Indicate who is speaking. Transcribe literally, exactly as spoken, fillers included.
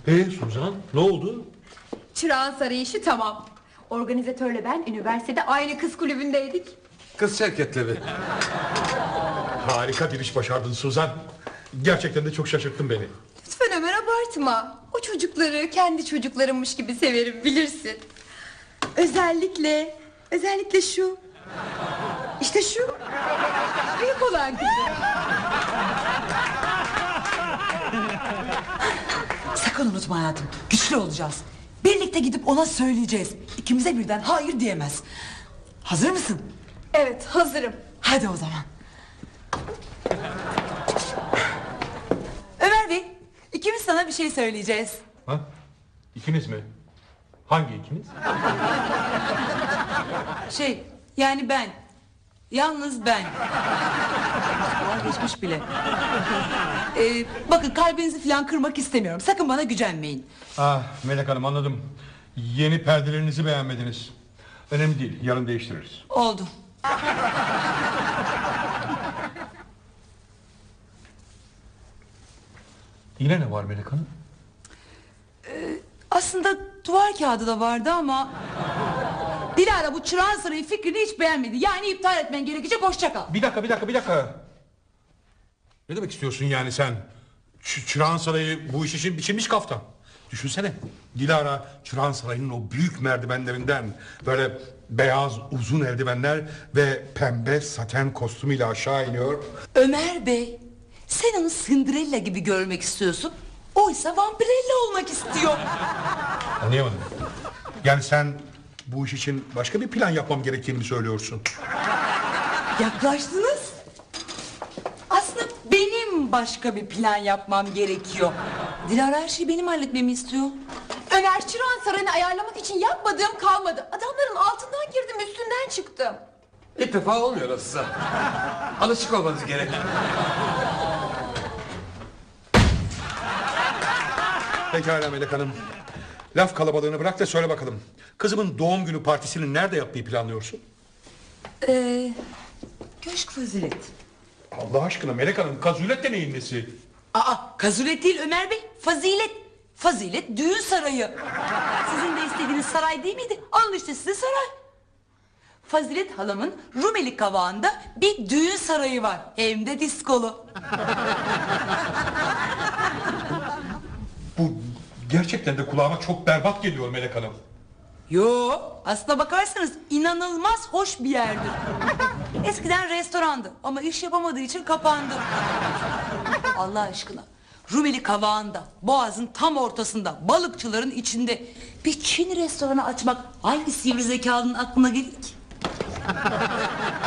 Speaker 1: Ee Suzan, ne oldu?
Speaker 2: Çırağan Sarayı işi tamam. Organizatörle ben üniversitede aynı kız kulübündeydik.
Speaker 1: Kız şirketleri. Harika bir iş başardın Suzan. Gerçekten de çok şaşırttın beni.
Speaker 2: Lütfen Ömer abartma. O çocukları kendi çocuklarımmış gibi severim, bilirsin. Özellikle, özellikle şu. İşte şu. Büyük olan kızı.
Speaker 3: Sakın unutma hayatım, güçlü olacağız. Birlikte gidip ona söyleyeceğiz. İkimize birden hayır diyemez. Hazır mısın?
Speaker 2: Evet, hazırım.
Speaker 3: Hadi o zaman. Ömer Bey, ikimiz sana bir şey söyleyeceğiz.
Speaker 1: Ha? İkiniz mi? Hangi ikiniz?
Speaker 3: Şey, yani ben. Yalnız ben. Geçmiş bile. Ee, bakın kalbinizi falan kırmak istemiyorum. Sakın bana gücenmeyin.
Speaker 1: Ah Melek Hanım, anladım. Yeni perdelerinizi beğenmediniz. Önemli değil, yarın değiştiririz.
Speaker 3: Oldu.
Speaker 1: Yine ne var Melek Hanım?
Speaker 3: Aslında duvar kağıdı da vardı ama... Dilara bu Çırağan Sarayı fikrini hiç beğenmedi. Yani iptal etmen gerekecek, hoşça kal.
Speaker 1: Bir dakika, bir dakika, bir dakika. Ne demek istiyorsun yani sen? Ç Çırağan Sarayı bu iş için biçilmiş kaftan. Düşünsene, Dilara Çırağan Sarayı'nın o büyük merdivenlerinden böyle beyaz uzun eldivenler ve pembe saten kostümüyle aşağı iniyor.
Speaker 3: Ömer Bey, sen onu Cinderella gibi görmek istiyorsun. Oysa Vampirella olmak istiyor.
Speaker 1: Anlayamadım. Yani sen bu iş için başka bir plan yapmam gerektiğini mi söylüyorsun?
Speaker 3: Yaklaştınız. Aslında benim başka bir plan yapmam gerekiyor. Dilara her şeyi benim halletmemi istiyor.
Speaker 2: Ömer, Çırağan Sarayı'nı ayarlamak için yapmadığım kalmadı. Adamların altından girdim, üstünden çıktım.
Speaker 4: İlk defa olmuyor nasılsa. Alışık olmanız gerek.
Speaker 1: Pekala Melek Hanım. Laf kalabalığını bırak da söyle bakalım. Kızımın doğum günü partisini nerede yapmayı planlıyorsun?
Speaker 3: Ee, Köşk Fazilet.
Speaker 1: Allah aşkına Melek Hanım, kazulet de neyin nesi?
Speaker 3: Aa, kazulet değil Ömer Bey, fazilet. Fazilet düğün sarayı. Sizin de istediğiniz saray değil miydi? Alın işte size saray. Fazilet halamın Rumeli Kavağı'nda bir düğün sarayı var. Hem de diskolu.
Speaker 1: Bu gerçekten de kulağıma çok berbat geliyor Melek Hanım.
Speaker 3: Yo, aslına bakarsanız inanılmaz hoş bir yerdir. Eskiden restorandı ama iş yapamadığı için kapandı. Allah aşkına, Rumeli Kavağı'nda, Boğaz'ın tam ortasında, balıkçıların içinde bir Çin restoranı açmak hangi sivri zekalının aklına gelir ki?